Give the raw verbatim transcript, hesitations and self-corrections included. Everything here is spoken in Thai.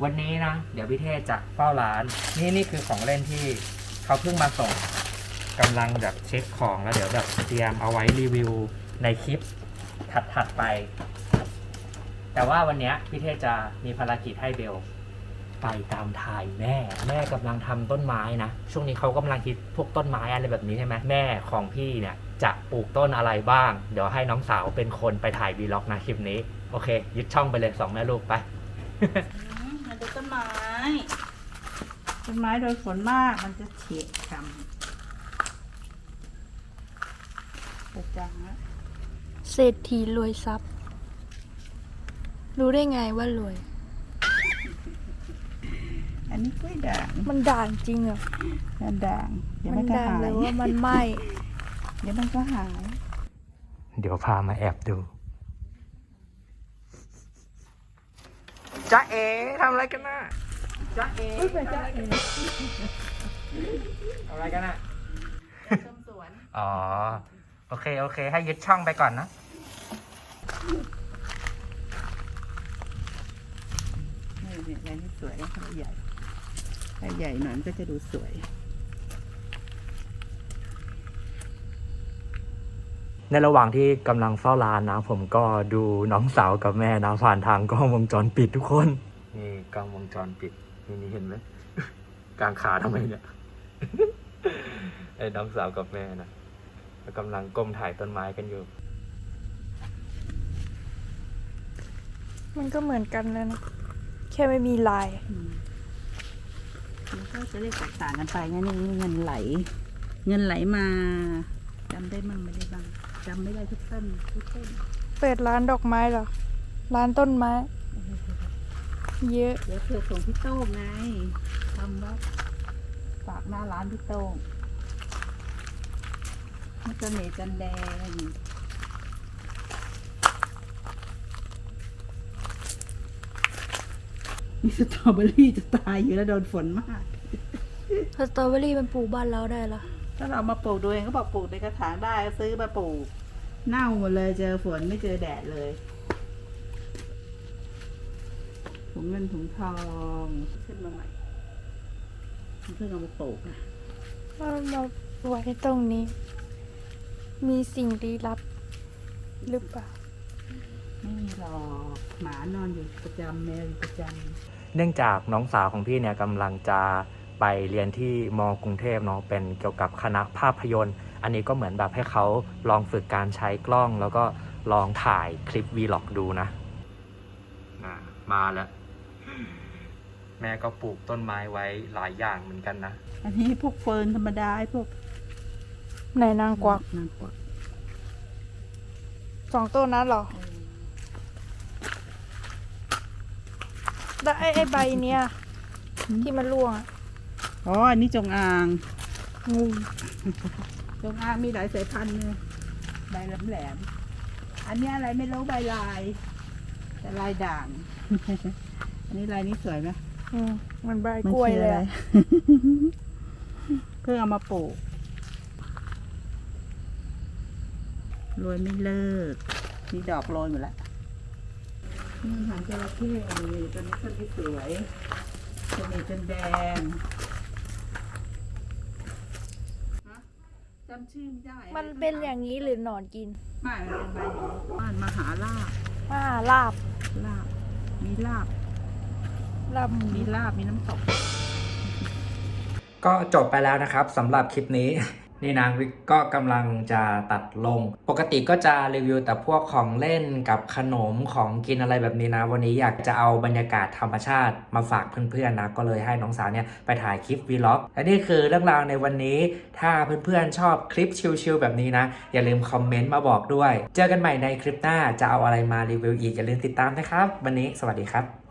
วันนี้นะเดี๋ยวพี่เทศจะเฝ้าร้านนี่นี่คือของเล่นที่เขาเพิ่งมาส่งกำลังแบบเช็คของแล้วเดี๋ยวแบบเตรียมเอาไว้รีวิวในคลิปถัดๆไปแต่ว่าวันนี้พี่เทศจะมีภารกิจให้เบลไปตามทายแม่แม่กำลังทำต้นไม้นะช่วงนี้เขากำลังคิดพวกต้นไม้อะไรแบบนี้ใช่ไหมแม่ของพี่เนี่ยจะปลูกต้นอะไรบ้างเดี๋ยวให้น้องสาวเป็นคนไปถ่ายวีล็อกนะคลิปนี้โอเคยึดช่องไปเลยสองแม่ลูกไปมาดูต้นไม้ต้นไม้โดยฝนมากมันจะเฉียดช้ำกระจังแล้วเศรษฐีรวยทรัพย์ รู้ได้ไงว่ารวยอันนี้กล้วยด่างมันด่างจริงเหรอมันด่างเดี๋ยวมัมัน นก็ด่างหาหยรือว่ามันไหม้เดี๋ยวมันก็หายเดี๋ยวพามาแอบดูจ๊ะเอ๋ทำอะไรกันน่ะจ๊ะเอ๋ไม่เป็นจ้าเองทำอะไรกันน่ะชมสวนอ๋อโอเคโอเคให้ยึดช่องไปก่อนนะนี่เนี่ยอันนี้สวยแล้วใหญ่ถ้าใหญ่หน่อยมันก็จะดูสวยในระหว่างที่กำลังเฝ้าร้านนะผมก็ดูน้องสาวกับแม่นะผ่านทางกล้องวงจรปิดทุกคนนี่กล้องวงจรปิดนี่นี่เห็นไหม กลางขาทำไมเนี่ย ไอ้น้องสาวกับแม่นะกำลังก้มถ่ายต้นไม้กันอยู่มันก็เหมือนกันเลยนะ แค่ไม่มีลายอืมมันก็จะเรียกแตกต่างกันไปนะนี่เงินไหล เงินไหลมาจำได้มั่งไม่ได้บ้างจำไม่ได้ทุกต้นทุกต้นเปิดร้านดอกไม้เหรอ ร้านต้นไม้ เยอะเดี๋ยวเธอส่งพี่โต้งไงทำว่าฝากหน้าร้านพี่โต้งมันจะเหนจันแดงนี่สตรอเบอรี่จะตายอยู่แล้วโดนฝนมากสตรอเบอรี่มันปลูกบ้านเราได้เหรอถ้าเรามาปลูกดูเองก็บอกปลูกในกระถางได้ซื้อมาปลูกเน่าหมดเลยเจอฝนไม่เจอแดดเลยถุงเงินถุงทองขึ้นมาใหม่เพิ่งเอามาปลูกนะเอามาไว้ตรงนี้ มีสิ่งลี้ลับหรือเปล่าไม่มีหรอกหมานอนอยู่ประจำแมวอยู่ประจเนื่องจากน้องสาวของพี่เนี่ยกำลังจะไปเรียนที่มกรุงเทพเนาะเป็นเกี่ยวกับคณะภาพยนตร์ อันนี้ก็เหมือนแบบให้เขาลองฝึกการใช้กล้อง แล้วก็ลองถ่ายคลิปวีล็อกดูนะมาแล้ว แม่ก็ปลูกต้นไม้ไว้หลายอย่างเหมือนกันนะำอันนี้พวกเฟิร์นธรรมดาไอ้พวกไหนนางกวักนางกวักสองต้นนั้นเหรอ แล้วไอ้ไอ้ใบเนี้ยที่มันร่วงอะอ๋ออันนี้จงอางงูจงอางมีหลายสายพันธุ์เลยใบแหลมๆอันนี้อะไรไม่รู้ใบลาย แต่ลายด่าง อันนี้ลายนี้สวยไหมอืมมันใบกล้วยเลยมันอะคืออะไร เพิ่งเอามาปลูกโรยไม่เลิกมีดอกโรยหมดแล้วนี่หางจระเข้นี่ตัวนี้ต้นที่สวยตัวนี้จนแดงฮะจำชื่อไม่ได้มันเป็นอย่างนี้หรือหนอนกินไม่มันเป็นใบอย่างนี้บ้านมหาลาบอ่าลาบลาบ มีลาบลาบหมูมีลาบ มีน้ำตกก็จบไปแล้วนะครับสำหรับคลิปนี้ นี่นางวิกก็กำลังจะตัดลง ปกติก็จะรีวิวแต่พวกของเล่นกับขนมของกินอะไรแบบนี้นะ วันนี้อยากจะเอาบรรยากาศธรรมชาติมาฝากเพื่อนๆนะก็เลยให้น้องสาวเนี่ยไปถ่ายคลิปวีล็อกและนี่คือเรื่องราวในวันนี้ถ้าเพื่อนๆชอบคลิปชิลๆแบบนี้นะอย่าลืมคอมเมนต์มาบอกด้วยเจอกันใหม่ในคลิปหน้าจะเอาอะไรมารีวิวอีกอย่าลืมติดตามนะครับวันนี้สวัสดีครับ